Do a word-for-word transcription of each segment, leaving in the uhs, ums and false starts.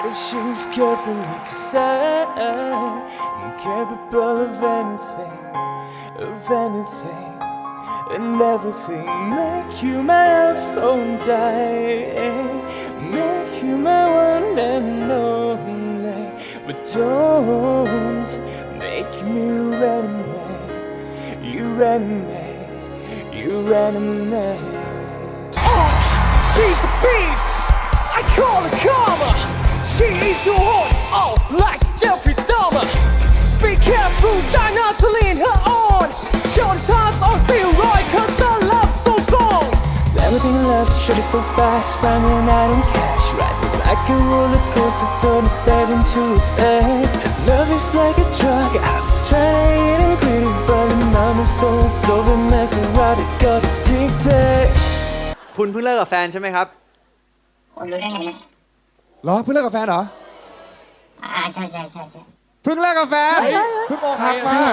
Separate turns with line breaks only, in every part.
But she's carefully cause I'm capable of anything, of anything, and everything. Make you my iPhone die, make you my one and only. But don't make me your enemy, your enemy, your enemy. Oh, she's a beast, I call her karma. She eats your heart, oh, like Jeffrey Dahmer. Be careful, try not to lean her on. Your chance on zero, cause her love's so strong. Everything I love should be so fast, running out in cash. Riding like a roller coaster, turn it back into a fad. And love is like a drug, I was trying and greedy, but now I'm so dope and messing around, it got addicted.
คุณเพิ่งเลิกกับแฟนใช่ไหมครับ
คุณรู้ได้ไงนะ
เหรอเพิ่งเลิกกับแฟนเหรอ
อ่าใช่ใช่ใช่ใช่
เพิ่งเลิกกับแฟนเพิ่งอกหักมา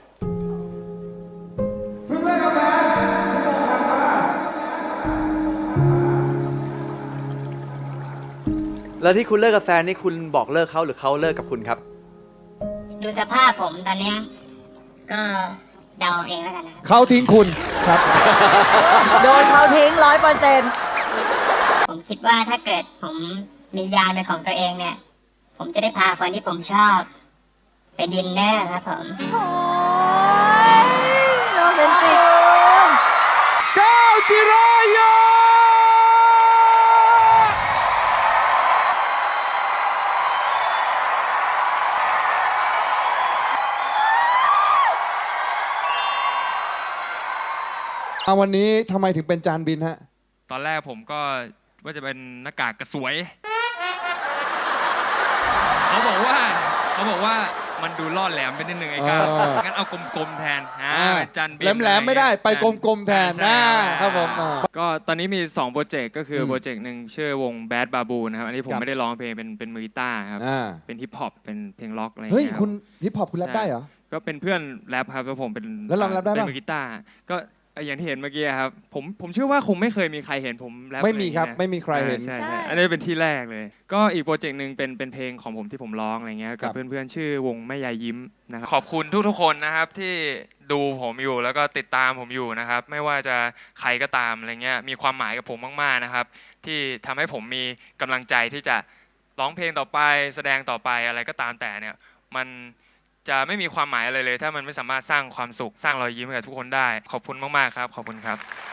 เพิ่งเลิกกับแฟนเพิ่งอกหักมา
แล้วที่คุณเลิกกับแฟนนี่คุณบอกเลิกเขาหรือเขาเลิกกับคุณครับ
ดูสภาพผมตอนเนี้ยก็เดาเองแล้วกันนะ
เขาทิ้งคุณครับ
โดนเขาทิ้งร้อยเปอร์เซ็นต์
ผมคิดว่าถ้าเกิดผมมียานเป็นของตัวเองเนี่ย ผมจะได้พาคนที่ผมชอบ ไปดินเนอร์ครับผม
โอ้ยโรแมนติก
ก้าวจิรายาวันนี้ทำไมถึงเป็นจานบินฮะ
ตอนแรกผมก็ว่าจะเป็นหน้ากากกระสวย เขาบอกว่าเขาบอกว่ามันดูล่อแหลมไปนิดนึงไอ้ก้าว
เออ
งั้นเอากลมๆแทนอ่าเป็นจันบิน
แหลมๆไม่ได้ไปกลมๆแทน
ใช่
นะครับผมอ่า
ก็ตอนนี้มีสองโปรเจกต์ก็คืออ
ม
โปรเจกต์หนึ่งชื่อวง Bad Babu นะครับอันนี้ผม
ครับ
ไม่ได้ร้องเพลงเป็นเป็นมือกีตาร์ครับ
อ่า
เป็นฮิปฮอปเป็นเพลงล็อกอะไรอย่าง
เฮ้ย
เงี้ย
คุณฮิปฮอปคุณแรปได้เหรอ
ก็เป็นเพื่อนแรปครับแล้วผมเป็น
แล้วเราแรปได้ปะ
เป็นมือกีตาร์ก็อย่างที่เห็นเมื่อกี้ครับผมผมเชื่อว่าคงไม่เคยมีใครเห็นผมแรป
ไม่มีครับ
อะ
ไม่มีใครเห็น
ใช่ใช่อันนี้เป็นที่แรกเลย ก็อีกโปรเจกต์หนึ่งเป็นเป็นเพลงของผมที่ผมร้องอะไรเงี้ย
ครั
กับบ เพื่อนๆชื่อวงแม่ยายยิ้มนะครับขอบคุณทุกๆคนนะครับที่ดูผมอยู่แล้วก็ติดตามผมอยู่นะครับไม่ว่าจะใครก็ตามอะไรเงี้ยมีความหมายกับผมมากๆนะครับที่ทำให้ผมมีกำลังใจที่จะร้องเพลงต่อไปแสดงต่อไปอะไรก็ตามแต่เนี่ยมันจะไม่มีความหมายอะไรเลย ถ้ามันไม่สามารถสร้างความสุขสร้างรอยยิ้มให้กับทุกคนได้ขอบคุณมากๆครับขอบคุณครับ